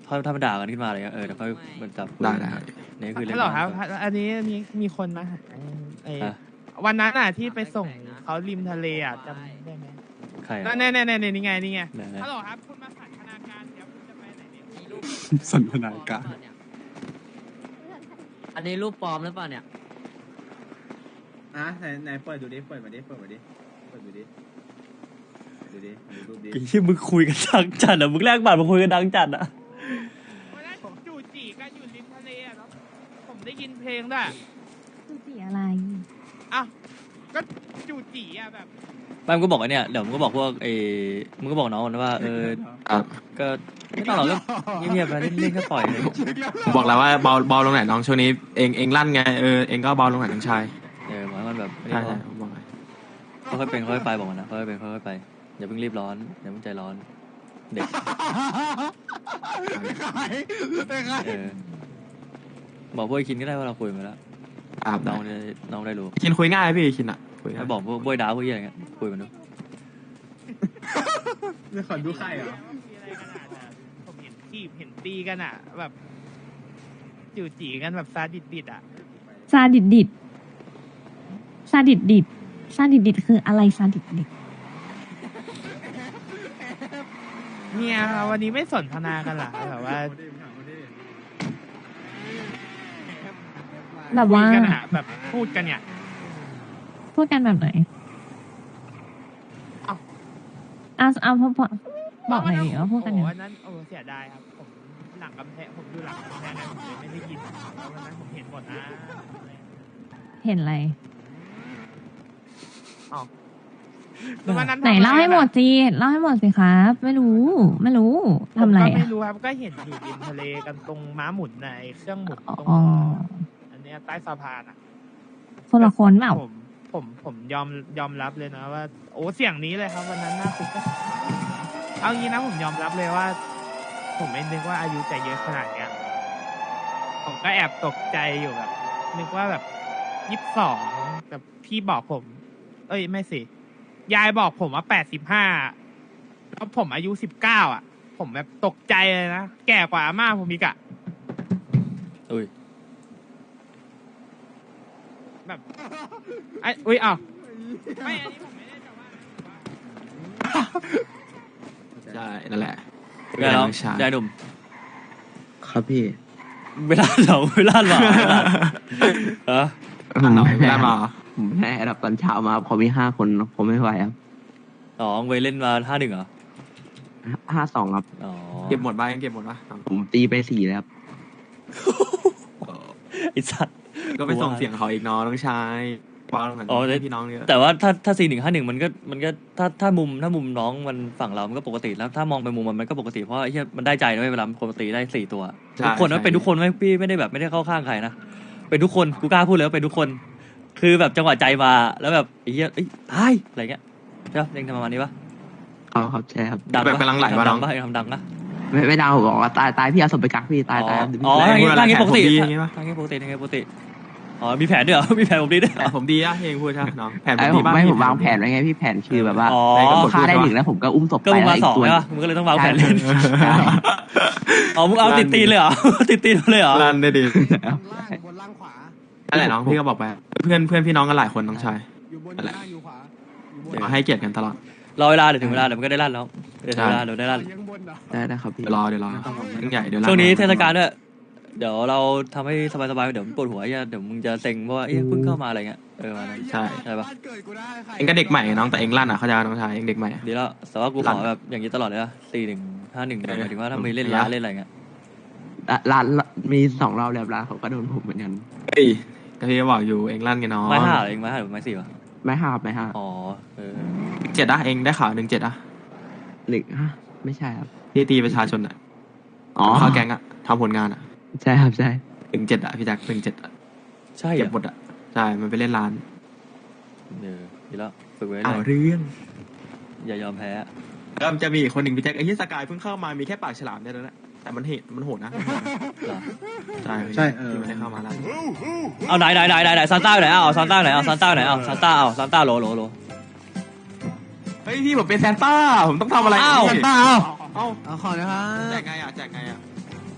ถ้ามันด่ากันขึ้นมาอะไรเงี้ยเดี๋ยวค่อยมันจับได้นี่คือเรื่ฮัอลงโหลครับอันนี้มีคนมาหาไอ้วันนั้นอ่ะที่ไปส่งเขาริมทะเลอ่ะจำได้ไหมใครนั่นนี่ไงไหนฮัลโหลครับคุณมาสันทนาการเดี๋ยวคุณจะไปไหนเนี่ยสันทนาการอันนี้รูปปลอมหรือเปล่าเนี่ยไหนเปิดดูดิเปิดดูดิดูดิรูปดิไอ้ที่มึงคุยกันดังจัดอ่ะมึงแลกบัตรมาคุยกันดังจัดอ่ะวันนั้นจู่จีกันอยู่ริมทะเลอ่ะเนาะผมได้ยินเพลงด้วยคือสีอะไรอ้าวก็จู่จีอ่ะแบบไม่มึงก็บอกไอ้เนี่ยเดี๋ยวมึงก็บอกพวกมึงก็บอกน้องมันว่าครับก็ไม่ต้องหรอกก็เงียบๆนะเล่นๆก็ปล่อยเลยผมบอกแล้วว่าเบาลงหน่อยน้องช่วงนี้เองลั่นไงเองก็เบาลงหน่อยน้องชายหมายมันแบบไม่ใช่ได้ผมบอกเลยค่อยๆเป็นค่อยๆไปบอกมันนะค่อยๆเป็นค่อยๆไปอย่าเพิ่งรีบร้อนอย่าเพิ่งใจร้อนเด็กบอกพวกไอ้คินก็ได้ว่าเราคุยมาแล้วอาบน้น้ออง งได้รู้คินคุยง่ายพี่คินอ่ะคุยง่าให้ยบอกพวกบอยดาวพวกอะไรเงี้ยคุยมันดูไม่ขอดูใครเหรอมีอะไรกันอ่ะแต่ผมเห็นทีบเห็นตีกันอ่ะ แบบจู่จีกันแบบซาดิดอ่ะซาดิดดิดซาดิดดิดซาดิดดิดคืออะไรซาดิดดิดเนี่ยวันนี้ไม่สนทนากันเหรอแบบว่าแบบคุว่ายกันอ่ะแบบพูดกันเนี่ยพูดกันแบบไหนเอ้าเอาพอบอกหน่อยดิว่าพูดกันโอ้ยังไงวันนั้นเสียดายครับผมหลังกำแพงผมดูหลังกำแพงไงผมเลยไม่ได้ยินวันนั้นผมเห็นหมดนะเห็นอะไรวันนั้นไหนเล่าให้หมดสิเล่าให้หมดสิครับ ไม่รู้ทำอะไรผมก็อ่ะไม่รู้ครับก็เห็นอยู่ริมทะเลกันตรงม้าหมุนในเครื่องหมุนตรงอ๋ออันเนี้ยใต้สะพานอ่ะคนละคนเปล่าผมยอมรับเลยนะว่า โอ้เสียงนี้เลยครับวันนั้นน่าคุกเอางี้นะผมยอมรับเลยว่า ผมไม่นึกว่าอายุจะเยอะขนาดเนี้ยผมก็แอบตกใจอยู่แบบ นึกว่าแบบ22แต่พี่บอกผม เอ้ยไม่สิยายบอกผมว่า85แล้วผมอายุ19อ่ะ ผมแบบตกใจเลยนะแก่กว่าอาม่าผมอีกอะอุ้ยแบบไอ้อุ้ยอ้าวไม่อันนี้ผมไม่ได้จะว่าใช่นั่นแหละได้แล้วน้องชายได้หนุ่มครับพี่เวลาเหรอเวลาเหรอฮะหน่อยได้มาเหรอผมแค่รับตอนเช้ามาพอมี5 คนผมไม่ไหวครับอ๋อไปเล่นมา51เหรอ 52ครับอ๋อเก็บหมดบ้างยังเก็บหมดปะผมตีไป4แล้วครับไอสัตว์ก็ไปส่งเสียงเขาอีกน้องน้องชายเบาลงหน่อยอ๋อให้พี่น้องเยอะแต่ว่าถ้า4151มันก็ถ้ามุมน้องมันฝั่งเรามันก็ปกติแล้วถ้ามองไปมุมมันก็ปกติเพราะไอ้เหี้ยมันได้ใจนะเว้ยเวลาปกติได้4ตัวทุกคนมันเป็นทุกคนไหมพี่ไม่ได้แบบไม่ได้เข้าข้างใครนะเป็นทุกคนกูกล้าพูดเลยว่าเป็นทุกคน คือแบบจังหวะใจมาแล้วแบบไอ้เหี้ยตายอะไรเงี้ยใช่ปะยังทำประมาณนี้ปะเอาครับใช่ครับดังแบบปะกำลังไหลมาน้ดัองงปะยังทำดังนะไม่ดาวผมบอกว่าตายพี่เอาศพไปกักพี่ตายอ๋อไม่ทางนี้พูดอะไรปกติแผนผมดีอย่างงี้ปะทางนี้ปกติอ๋อมีแผนด้วยเหรอมีแผนผมดีด้วยแต่ผมดีอะเองพูดใช่ไหมน้องแผนผไอ้มผดีมบ้างไม่ผมวางแผนไว้ไงพี่แผนคือแบบว่าอ๋อฆ่าได้1แล้วผมก็อุ้มศพก็ไปมึงแล้วมาอีสอก งตัวใช่ปะมึงก็เลยต้องวางแผนเล่นใช่อ๋อมึงเอาติดตีนเลยเหรอ ติดตีนเลยเหรอลั่นได้ดีบนล่างขวานั่นแหละน้องพี่ก็บอกไปเพื่อนพี่น้องกันหลายคนน้องชายอยู่บนนั่นแหละล่างอยู่ขวาอยู่บนขอให้เกียรติกันตลอดรอเวลาเดี๋ยวถึงเวลาเดี๋ยวมันก็ได้ลั่นแล้วเดี๋ยวถึงเวลาเดี๋ยวได้ลั่นยังบนเหรอได้ครับพี่เดี๋ยวรอเดี๋ยวยิ่งใหญ่เดี๋ยวลั่ช่วงนี้เทศกาลด้วยเดี๋ยวเราทำให้สบายๆเดี๋ยวมึงปวดหัวเดี๋ยวมึงจะเซ็งเพราะว่าเพิ่งเข้ามาอะไรเงี้ยมานั้นใช่ใช่ปะบ้านเกิดกูได้ใครเองก็เด็กใหม่น้องแต่เองลั่นอ่ะเขาใจน้องชายเองเด็กใหม่ดีแล้วแต่ว่ากูขอแบบอย่างนี้ตลอดเลยนะ4151หมายถึงว่าถ้ามีเล่นร้านเล่นอะไรเงี้ยร้านมี2 รอบแล้วร้านเขาก็โดนผมเหมือนกันเฮ้ยก็พี่บอกอยู่เองลั่นกันน้องไม้ห้าเองไม้ห้าหรือไม้สี่วะไม่ห้าไม่ห้าอ๋อ 7อะเองได้ข่าว17อะ 1 ไม่ใช่ครับที่ตีประชาชนอะอ๋อเข้าแก๊งอะทำผลงานอะใช่ครับใช่ 7อะพี่แจ็ค17อะใช่เก็บหมดอะใช่มันไปเล่นร้านดีแล้วฝึกไว้เลเอายเรื่องอย่ายอมแพ้แล้วมันจะมีอีกคนหนึ่งพี่แจ็คไอ้ที่สกายเพิ่งเข้ามามีแค่ปากฉลามเนี่ยแล้วนะแต่มันโหดนะเหรอใช่ใช่ที่มันได้เข้ามาแล้วเอาไหนซานต้าไหนเอาซานต้าไหนเอาซานต้าไหนเอาซานต้าโลเฮ้ยพี่ผมเป็นแซนต้าผมต้องทำอะไรอ้าวพี่เปล่าเอ้าเอาขอนะครับแจกไงอะ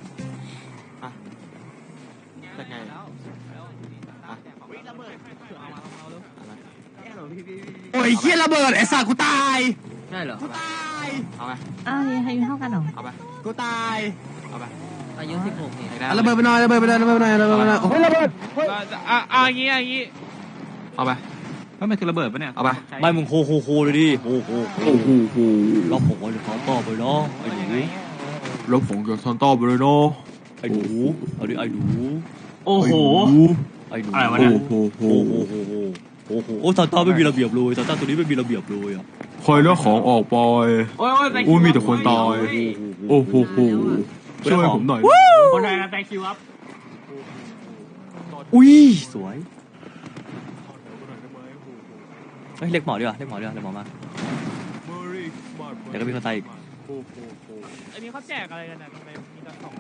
ยเฮียระเบิดไอ้สัตว์กูตายใช่เหรอกูตายเอาไปอ้าวอายุเท่ากันเหรอเอาไปกูตายเอาไปอายุ16นี่เอาระเบิดไปหน่อยระเบิดไปหน่อยระเบิดไปหน่อยระเบิดไปหน่อยโอ้ยระเบิดเอาอย่างงี้เอาไปว่ามันคือระเบิดปะเนี่ยเอาไปไม่มึงโคเลยดิโอ้โหเราผมว่าจะขอต่อไปเนาะไอ้หนูรถผมกับซอนต้าไปเลยเนาะไอ้หนูเอาดิไอ้หนูโอ้โหไอ้หนูอะไรวะเนี่ยโอ้โหโอ้ซานต้าไม่มีระเบียบเลยซานต้าตัวนี้ไม่มีระเบียบเลยอ่ะคอยเลือกของออกไปโอ้ยโอ้ยมีแต่คนตาย โอ้โหช่วยผมหน่อยคนไทยนะแตงคิวครับอุ้ยสวยเฮ้ยเรียกหมอดีกว่าเรียกหมอมาเดี๋ยวก็มีคนตายอีกอันนี้เขาแจกอะไรกันนะทำไมมีแต่ของ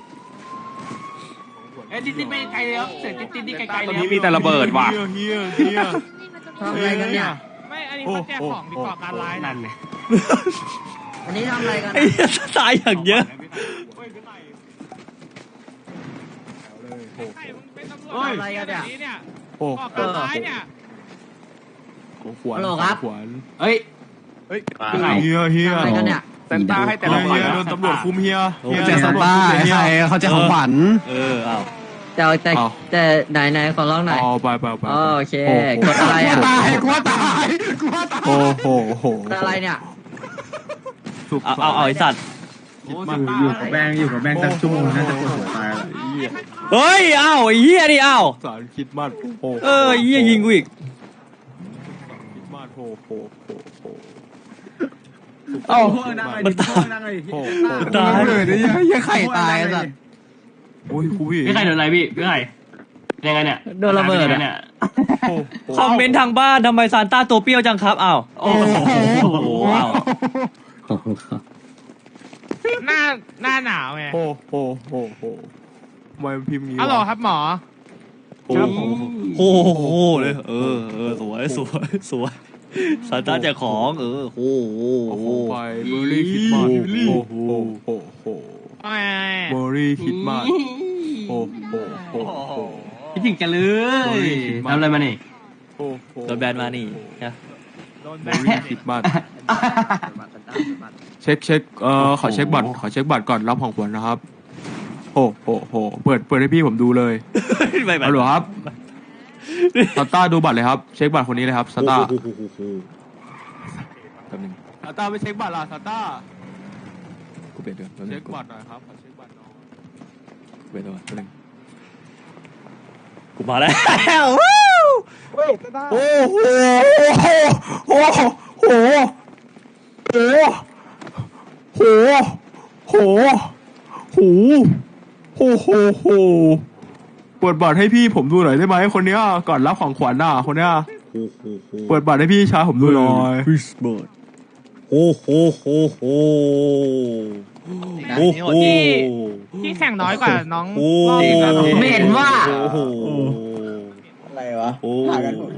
เอ้ยติ๊ดไปไกลเลยครับเสียงติ๊ดนี่ไกลๆเลยตอนนี้มีแต่ระเบิดว่ะเฮียทำอะไรกันเนี่ยไม่อันนี้เขาแจกของดีกว่าการไลฟ์นั่นเลยอันนี้ทำอะไรกันไอ้เหี้ยตายอย่างเยอะใครมึงเป็นตำรวจอะไรกันเนี่ยโอ้ก่อการร้ายเนี่ยขวัญขวัญเฮ้ยเฮียทำอะไรกันเนี่ยเซนต้าให้แต่ละคนโดนตำรวจคุมเฮียแจกตำรวจเฮียเขาจะของขวัญอ้าวแต่ไหนขอร้องหน่อยอ๋อไปโอเคกดอะไรอ่ะกลัวตายโอ้โหกดอะไรเนี่ยเอาไอ้สัตว์อยู่กับแบงตั้งชั่วโมงน่าจะปวดหัวตายแล้วเฮ้ยอ้าวไอ้เหี้ยดิอ้าวสารคิดมากโอ้ไอ้เหี้ยยิงกูอีกคิดมากโอ้โหเอ้ามันตายโอ้ตายเลยเนี่ยยังไข่ตายสัตว์โอ้ยครูพี่พี่ไข่โดนอะไรพี่ไข่ยังไงเนี่ยโดนระเบิดเนี่ยคอมเมนต์ทางบ้านทำไมซานต้าตัวเปรี้ยวจังครับอ้าวโอ้โหอ้าวหน้าหนาวไงโอ้โหทำไมพิมพ์งี้อ๋อเหรอครับหมอโอ้โหเลยสวยซานต้าแจกของโอ้โหไปเบอร์รี่คิดมากโอ้โห เบอร์รี่คิดมากโอ้โหพี่ถึงกันเลยทำอะไรมานี่โอ้โหโดนแบนมานี่นะโดนเบแบอน ร์รี่คิดมากเช็คขอเช็คบัตรก่อนรับของขวัญนะครับโอ้โหเปิดให้พี่ผมดูเลยไม่ฮัลโหลครับสตาร์ดูบัตรเลยครับเช็คบัตรคนนี้เลยครับสตาร์แป๊บนึงสตาร์ไปเช็คบัตรล่ะสตาร์กูเปลี่ยนด้วยเช็คบัตรหน่อยครับขอเช็คบัตรหน่อยกูเปลี่ยนด้วยแป๊บนึงกูมาแล้วโอ้โหโอ้โหโอ้โหเปิดบัตรให้พี่ผมดูหน่อยได้ไหมคนเนี้ยก่อนรับของขวัญน่ะคนเนี้ยเปิดบัตรให้พี่ชายผมดูหน่อยคริสเบิร์ดโอ้โหที่แข่งน้อยกว่าน้องไม่เห็นว่าโอ้โหอะไรวะโอ้หากันหมด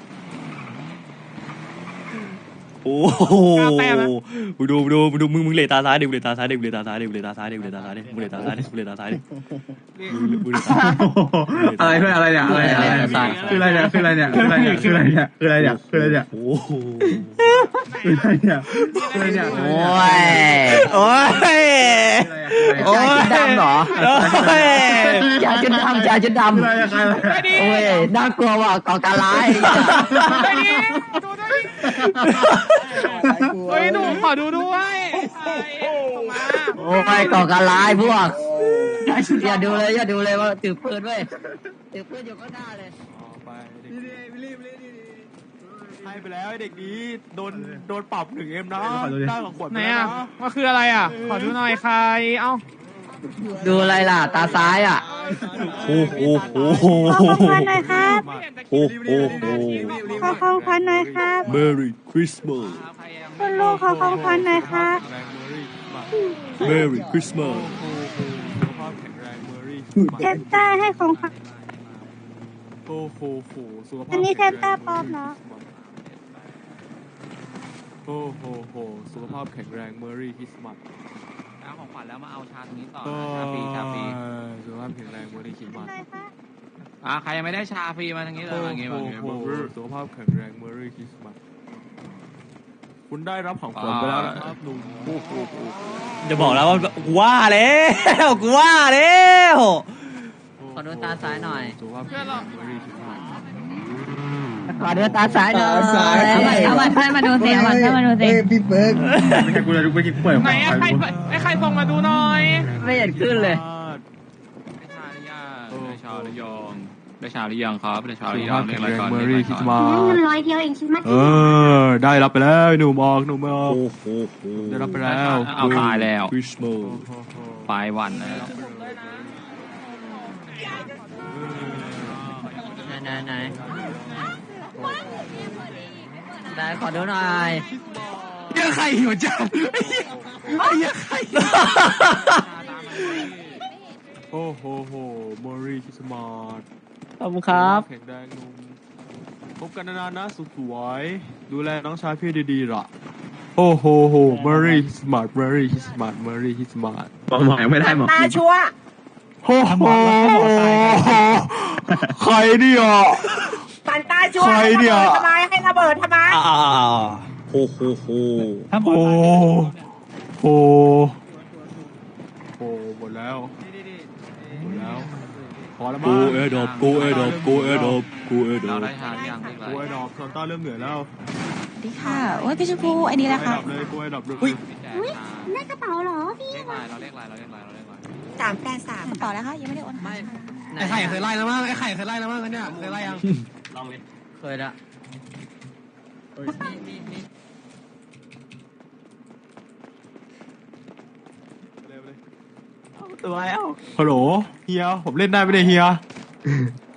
โอ้โหดูมึงเลตาซ้ายดิมึงเลตาซ้ายดิมึงเลตาซ้ายดิมึงเลตาซ้ายดิมึงเลตาซ้ายดิมึงเลตาซ้ายดิมึงเลตาซ้ายดิมึงเลตาซ้ายดิอะไรเพื่อนอะไรเนี่ยคืออะไรเนี่ยคืออะไรเนี่ยคืออะไรเนี่ยคืออะไรเนี่ยคืออะไรเนี่ยคืออะไรเนี่ยโอ้โหคืออะไรเนี่ยคืออะไรเนี่ยโอ้ยโอ้ยยาชุดดำเหรอโอ้ยยาชุดดำโอ้ยน่ากลัวว่ะก่อการร้ายไปดิดูด้วยเฮ้ยหนูขอดูด้วยส่งมาโอ้ยก่อการร้ายพวกอย่าดูเลยว่าถือปืนเว้ยถือปืนอยู่ก็หน้าเลยไปให้ไปแล้วเด็กนี้โดนปรับ1Mนะได้ของขวัญไหนอ่ะมันคืออะไรอ่ะ ขอดูหน่อยใครเอ้าดูอะไรล่ะตาซ้ายอ่ะโอ้โหขอของขวัญหน่อยครับโอ้โหขอของขวัญหน่อยครับ Merry Christmas คุณลุงขอของขวัญหน่อยครับ Merry Christmas เซนต้าให้ของขวัญโอ้โหสุขภาพอันนี้เซนต้าปลอมเหรอโอ้โหสุขภาพแข็งแรงเมอรี่คริสต์มาสเอาของขวัญแล้วมาเอาชาตรงนี้ต่อชาฟรีสุขภาพแข็งแรงเมอรี่คริสต์มาสหน่อยครับใครยังไม่ได้ชาฟรีมาทางนี้เลยโอ้โหสุขภาพแข็งแรงเมอรี่คริสต์มาสคุณได้รับของขวัญไปแล้วนะครับลุงจะบอกแล้วว่ากูว่าแล้วกูว่าแล้วขอดูตาซ้ายหน่อยสุขภาพเพื่อนเราขอดูตาซ้ายหน่อยเอาบัตรเพื่อนมาดูสิเอาบัตรเพื่อนมาดูสิพี่เบิร์กไม่ใช่กูเลยดูไปกินเปิดไหนอะใครส่งมาดูหน่อยไม่เห็นขึ้นเลยได้ชาหรือยังได้ชาหรือยังครับได้ชาหสุรือขยัภาง พเรีแข็ยกงอะไรแรงก่อนเมอรี่คริสต์มาสร้อยเดียวเองคิดมาได้รับไปแล้วหนุ่มออกได้รับไปแล้วเอาตายแล้วคริสต์มาสปลายวันนะไหนได้ขอดูหน่อยยังไข่หิวจังยังไข่โอ้โหเมอรี่คริสต์มาสขอบคุณครับแข็งแรงนุ่มพบกันนานๆนะสุดสวยดูแลน้องชายพี่ดีๆล่ะโอ้โหเมอรี่คริสต์มาสเมอรี่คริสต์มาสเมอรี่คริสต์มาสบอกหมอยังไม่ได้หมอตาชัวโอ้โหใครเนี่ยสันตาชัวใครเนี่ยทำไมให้ระเบิดทำไมโอ้โหหมดแล้วพอแล้วมั้งกูเอดอบกูเอดอบกูเอดอบกูเอดอเราบได้ชาหรือยังเรียกอะไรกูไอ้ดอกซอนต้าเริ่มเหนื่อยแล้วดีค่ะโอ้ยพี่ชมพูไอ้นี่แหละค่ะกูไอ้ดอกเลยได้กระเป๋าเหรอพี่เรียกอะไรเราเรียกอะไรเราเรียกอะไรเราเรียกอะไรกระเป๋าแล้วค่ะยังไม่ได้โอนให้ค่ะไอ้ไข่เคยไล่แล้วมั้งไอ้ไข่เคยไล่แล้วมั้งเนี่ยเคยไล่ยังเคยละตัวแล้วฮัลโหลเฮียผมเล่นได้ไหมเนี่ยเฮีย